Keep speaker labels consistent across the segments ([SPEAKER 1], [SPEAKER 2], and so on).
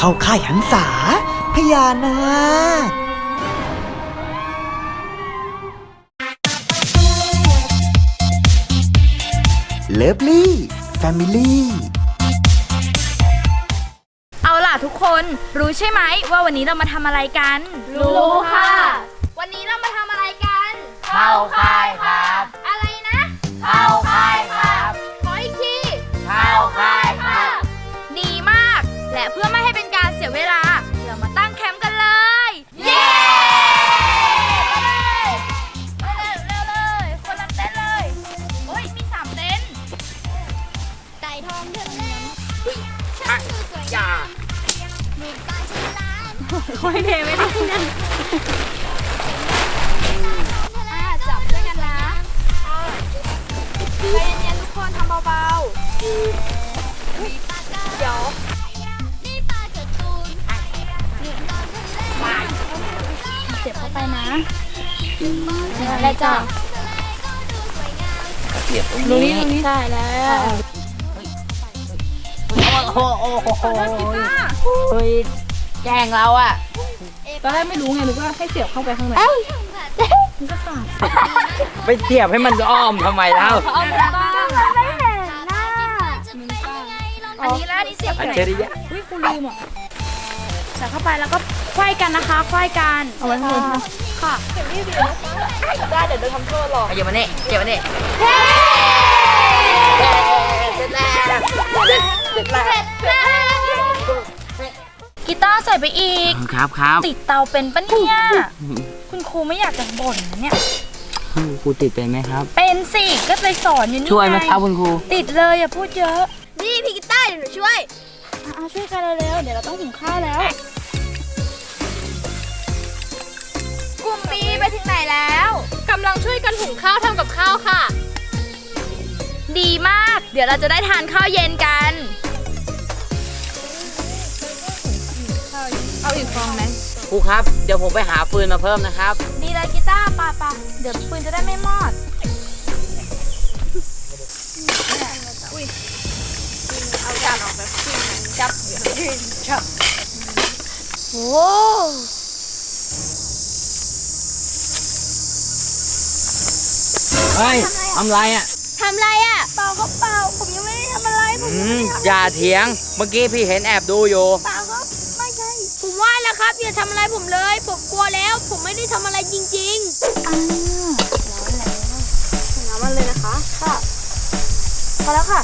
[SPEAKER 1] าค่ายหันษาพญานาคเลิฟลี่แฟมิลี่
[SPEAKER 2] เอาล่ะทุกคนรู้ใช่ไหมว่าวันนี้เรามาทำอะไรกัน
[SPEAKER 3] รู้ค่ะ
[SPEAKER 2] วันนี้เรามาทำอะไรกัน
[SPEAKER 3] เข้าค่ายครับ
[SPEAKER 2] อะไรนะ
[SPEAKER 3] เข้าค่ายครับ
[SPEAKER 2] ขออีกที
[SPEAKER 3] เข้าค่ายครับ
[SPEAKER 2] ดีมากและเพื่อไม่ให้เป็นการเสียเวลาเรามาตั้งแคมป์กันเลย เย้เร็วเลยคนละเต็นท์เลยโอ้ยมี3เต็นท์ไก่ทองเดินเล่นอย่าค่อยเทไม่ได้นั่นจับด้วยกันนะใจเย็นๆทุกคนทำเบาๆเดี๋ยวเสียบเข้าไปนะแล้วจ้ะ
[SPEAKER 3] เสียบตรงนี้
[SPEAKER 2] ใช่แล้ว
[SPEAKER 3] โอ้โหเฮ้ยแกล้งเราอะ
[SPEAKER 2] ตอนแรกไม่รู้ไงนึกว่าให้เสียบเข้าไปข้างในมันก็ขาด
[SPEAKER 3] ไปเสียบให้มันอ้อมทำไมเล่า
[SPEAKER 2] เอาไม่เห็นหน้าอันนี้แล้วนี่เสียบ
[SPEAKER 3] อั
[SPEAKER 2] ไห
[SPEAKER 3] จ
[SPEAKER 2] น
[SPEAKER 3] ฉริยะ
[SPEAKER 2] อุ้ยคุณลืมอ่ะใส่เข้าไปแล้วก็ไขว้กันนะคะไขว้กันเอาไว้ข้างบนค่ะเก็บที่เดียวได้เดี๋ยวโดนทำโทษหรอก
[SPEAKER 3] เก็บมาเนี่ยเก็บมาเนี่ยเสร็จแล้ว
[SPEAKER 2] กีตาร์ใส่ไปอีก
[SPEAKER 3] ครับ
[SPEAKER 2] ติดเตาเป็นปะเนี่ยคุณครูไม่อยากจะบ่นนะเนี่ย
[SPEAKER 3] ครูติดเป็นไหมครับ
[SPEAKER 2] เป็นสิก็เลยสอนอยู่นี่
[SPEAKER 3] ช่วยไหมครับคุณครู
[SPEAKER 2] ติดเลยอย่าพูดเยอะ
[SPEAKER 4] นี่พี่กีตาร์เดี๋ยวหนูช่วย
[SPEAKER 2] ช่วยกันเร็วๆเดี๋ยวเราต้องหุงข้าวแล้วกลุ่มปีไปถึงไหนแล้ว
[SPEAKER 4] กำลังช่วยกันหุงข้าวทำกับข้าวค่ะ
[SPEAKER 2] ดีมากเดี๋ยวเราจะได้ทานข้าวเย็นกันเอาอีกฟองไหม
[SPEAKER 3] ครูครับเดี๋ยวผมไปหาฟืนมาเพิ่มนะครับ
[SPEAKER 2] ดีเลยกีตาร์ปะเดี๋ยวฟืนจะได้ไม่มอดเอาจานออกแบบจับโอ้
[SPEAKER 3] เฮ้ยทำไรอ่ะ
[SPEAKER 4] ทำไรอ่ะ
[SPEAKER 2] เปล่าก็เปล่าผมยังไม่ได้ทำอะไรผม
[SPEAKER 3] อย่าเถียงเมื่อกี้พี่เห็นแอบดูอยู่
[SPEAKER 2] เปล่าก็ไม่ใช่
[SPEAKER 4] ผมว่าแล้วครับอย่าทำอะไรผมเลยผมกลัวแล้วผมไม่ได้ทำอะไรจริงๆ
[SPEAKER 2] ร้อนน้ำมันเลยนะคะค่ะพอแล้วค่ะ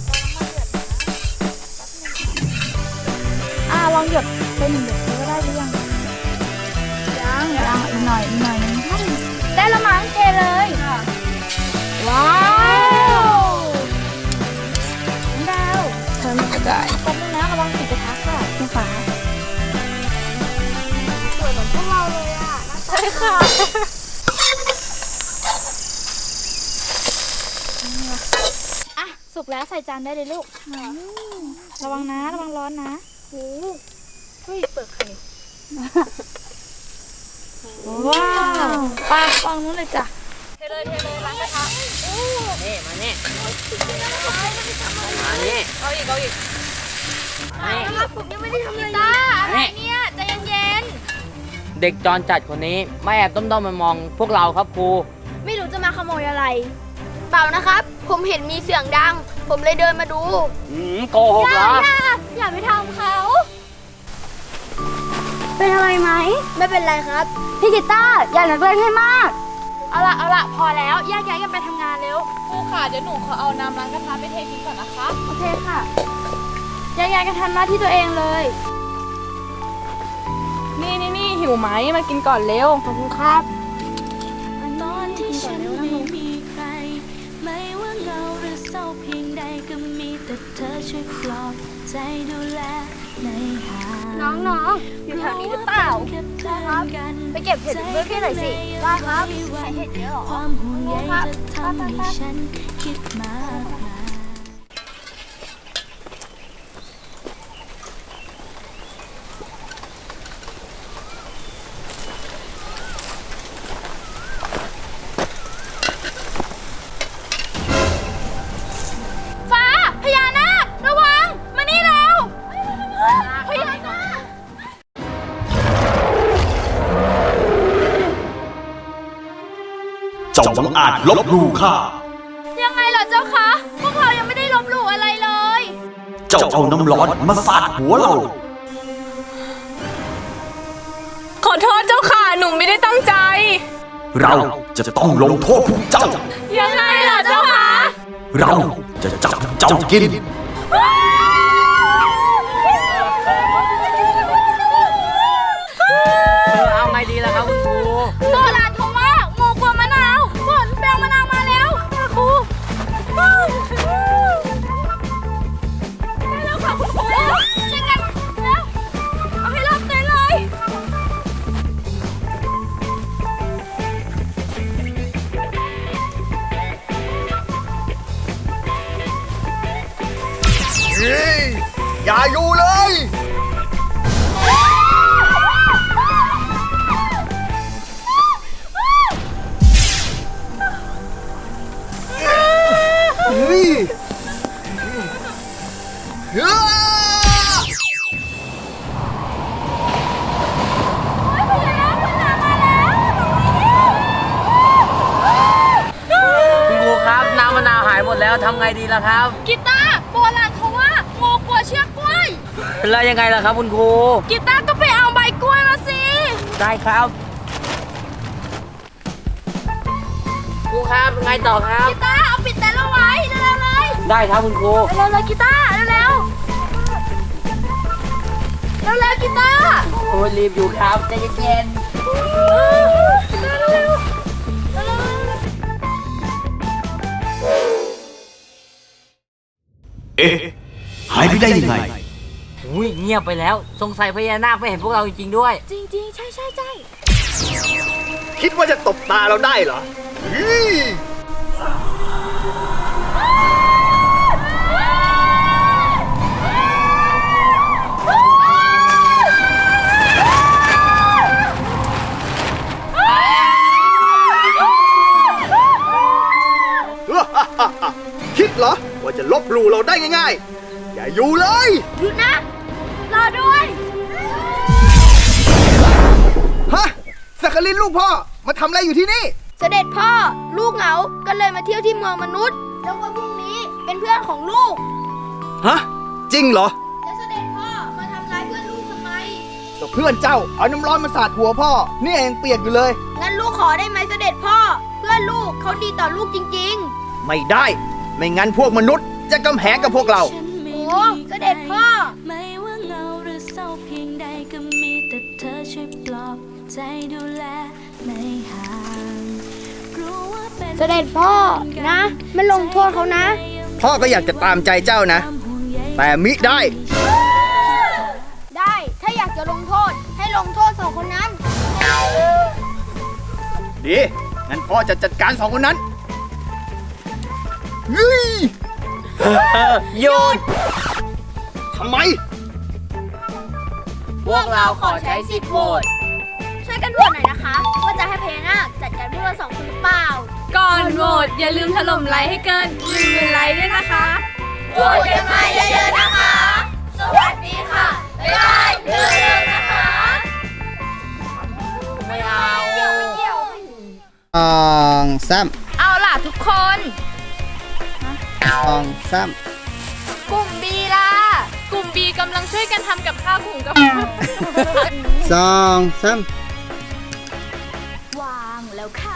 [SPEAKER 2] ลองหยดเป็นหยดก็ได้หรือยังอีกหน่อยได้ละมั้งเทเลยว้าวดาวเธอมันกระจายก้มด้วยนะระวังติดกระทะค่ะคุณฟ้า
[SPEAKER 4] สวยเหมือนพวกเราเลยอ่ะ
[SPEAKER 2] ใช่ค่ะสุกแล้วใส่จานได้เลยลูกระวังนะระวังร้อนนะเฮ้ยเปิดไข่ว้าวปลาฟังนู้นเลยจ้ะเทเลยล้างกระทะ
[SPEAKER 3] นี่มาเนี่ย
[SPEAKER 2] เอาอีก
[SPEAKER 4] ผมยังไม่ได้ทำอะไร
[SPEAKER 2] ตาอะไรเนี่ยใจเย็น
[SPEAKER 3] เด็กจรจัดคนนี้ไม่แอบต้มมองพวกเราครับครู
[SPEAKER 4] ไม่รู้จะมาขโมยอะไรเปล่านะครับผมเห็นมีเสียงดังผมเลยเดินมาดู
[SPEAKER 3] โกหกเหรอ
[SPEAKER 4] อย่าไปทำเขาเป็นอะไรไหมไม่เป็นไรครับพี่กีตาร์อย่าหนักเล่นให้มาก
[SPEAKER 2] เอาละพอแล้วแยกย้ายกันไปทำงานเร็วครูค่ะเดี๋ยวหนูขอเอาน้ำล้างกระทะไปเททิ้งก่อนนะคะ
[SPEAKER 4] โอเคค่ะ
[SPEAKER 2] แยกย้ายกันทำหน้าที่ตัวเองเลยนี่หิวไหมมากินก่อนเร็ว
[SPEAKER 4] ขอบคุณครับ
[SPEAKER 5] นอนที่ฉันไม่มีใครไม่ว่าเงาหรือเศร้าเพียงใดก็มีแต่เธอช่วยปลอบใจดูแลในหา
[SPEAKER 4] น้องอยู่แถวนี้หรือเปล่าครับไปเก็บเห็ดเพื่อพี่หน่อยสิได้ครับเห็ดเยอะหรอ
[SPEAKER 5] ความห่วงใยจะทำให้ฉันคิดมาก
[SPEAKER 2] ฟ้าพญานาคระวังมานี่แล้วพญานาค
[SPEAKER 6] จงอาจลบหลู่ข้า
[SPEAKER 2] ยังไงเหรอเจ้าคะ พวกเรายังไม่ได้ลบหลู่อะไรเลย
[SPEAKER 6] เจ้าเอาน้ำร้อนมาสาดหัวเรา
[SPEAKER 7] ขอโทษเจ้าค่ะ หนูไม่ได้ตั้งใจ
[SPEAKER 6] เราจะต้องลงโทษพวกเจ้า
[SPEAKER 7] ยังไงล่ะเจ้าค่ะ
[SPEAKER 6] เราจะจับเจ้ากิน
[SPEAKER 3] เอาไงดีล่ะครับคุณครู
[SPEAKER 2] โบราณเขาว่างูกลัวมะนาวฝนแปลงมะนาวมาแล้วครูได้แล้วค่ะคุณครูช่วยกันแล้วเอาให้รอบเต็นเลย
[SPEAKER 6] อย่าอยู่เลย
[SPEAKER 3] คุณครูครับน้ำมะนาวหายหมดแล้วทำไงดีล่ะครับ
[SPEAKER 2] กีตาร์โบราณเขาว่างูกลัวเชือกกล้วย
[SPEAKER 3] แล้วยังไงล่ะครับคุณครู
[SPEAKER 2] กีตาร์ก็ไปเอาใบกล้วยมาสิ
[SPEAKER 3] ได้ครับครูครับไงต่อครับ
[SPEAKER 2] กีตาร์เอาปิดเต็นท์เอาไว้เร็วๆเลย
[SPEAKER 3] ได้ครับคุณครู
[SPEAKER 2] เร็วๆเลยกีตาร์เร็วๆเร็วๆกีตาร์
[SPEAKER 3] โอ้ยรีบอยู่ครับใจเย็น
[SPEAKER 6] เอ๊ะ หายไปได้ยังไง
[SPEAKER 3] ๆอุ้ยเงียบไปแล้ว สงสัยพญานาคไม่เห็นพวกเราจริงๆด้วย
[SPEAKER 2] จริงๆ ใช่ใช่ใช่
[SPEAKER 6] คิดว่าจะตบตาเราได้เหรอ คิดเหรอ ว่าจะลบหลู่เราได้ง่ายๆ อย่าอยู่เลย
[SPEAKER 2] หยุดนะ รอด้วย
[SPEAKER 6] ฮะสักกลินลูกพ่อ มาทำอะไรอยู่ที่นี่
[SPEAKER 4] เสด็จพ่อลูกเหงาก็เลยมาเที่ยวที่เมืองมนุษย์ แล้วก็พรุ่งนี้เป็นเพื่อนของลูก
[SPEAKER 6] ฮะ จริงเหรอ
[SPEAKER 4] แล้วเสด็จพ่อมาทำร้ายเพื่อนลูกทำไม
[SPEAKER 6] ก็เพื่อนเจ้าเอาน้ำร้อนมาสาดหัวพ่อ นี่ยังเปียกอยู่เลย
[SPEAKER 4] งั้นลูกขอได้ไหมเสด็จพ่อ เพื่อนลูกเขาดีต่อลูกจริง
[SPEAKER 6] ไม่ได้ ไม่งั้นพวกมนุษย์จะกำแหงกับพวกเรา
[SPEAKER 4] ๆ โอ้เสด็จพ่อ
[SPEAKER 5] ไม่ว่าเงาหรือเศร้าเพียงใดก็มีแต่เธอช่วยปลอบใจดูแลไม่ห่างรู้ว่าเป็น
[SPEAKER 4] เสด็จพ่อนะ ไม่ลงโทษเขานะ
[SPEAKER 6] พ่อก็อยากจะตามใจเจ้านะ แต่มิได้
[SPEAKER 4] ได้ถ้าอยากจะลงโทษให้ลงโทษสองคนนั้น
[SPEAKER 6] ดี งั้นพ่อจะจัดการสองคนนั้นเฮ้ย
[SPEAKER 3] หยุด
[SPEAKER 6] ทำไม
[SPEAKER 3] พวกเราขอใช้สิทธิ์โหวต
[SPEAKER 4] ช่วยกันโหวตหน่อยนะคะ ว่าจะให้พญานาคจัดการพวกเราสองคนหรือเปล่า
[SPEAKER 7] ก่อนโหวตอย่าลืมถล่มไลค์ให้เกิน1,000 ไลค์ด้วยนะคะ
[SPEAKER 2] โหวตกันมาเยอะๆนะคะ สวัสดีค่ะ บ๊ายบายเร็วๆนะคะ
[SPEAKER 3] ไม่เอา
[SPEAKER 1] ซ้ำ
[SPEAKER 2] เอาล่ะทุกคน
[SPEAKER 1] ซ้
[SPEAKER 2] กลุ่มบีล่ะ
[SPEAKER 7] กลุ่ม B กำลังช่วยกันทำกับข้าวหุงกับ
[SPEAKER 1] ำซ้
[SPEAKER 5] วางแล้วค่ะ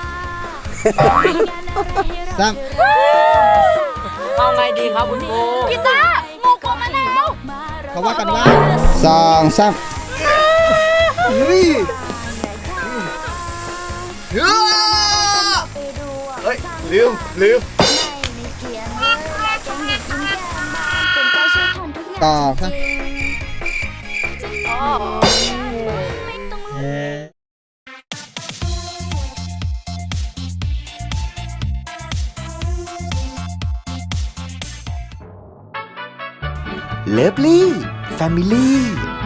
[SPEAKER 1] ซ้
[SPEAKER 3] เอาไงดีครับคุณครู
[SPEAKER 2] กีตาร์งูกลัวมะนาว
[SPEAKER 1] ำเขาว่ากันว่าซ้ำ
[SPEAKER 6] เฮ้ยเฮ้ย ลืม
[SPEAKER 1] ต่อซะเลิฟลี่แฟมิลี่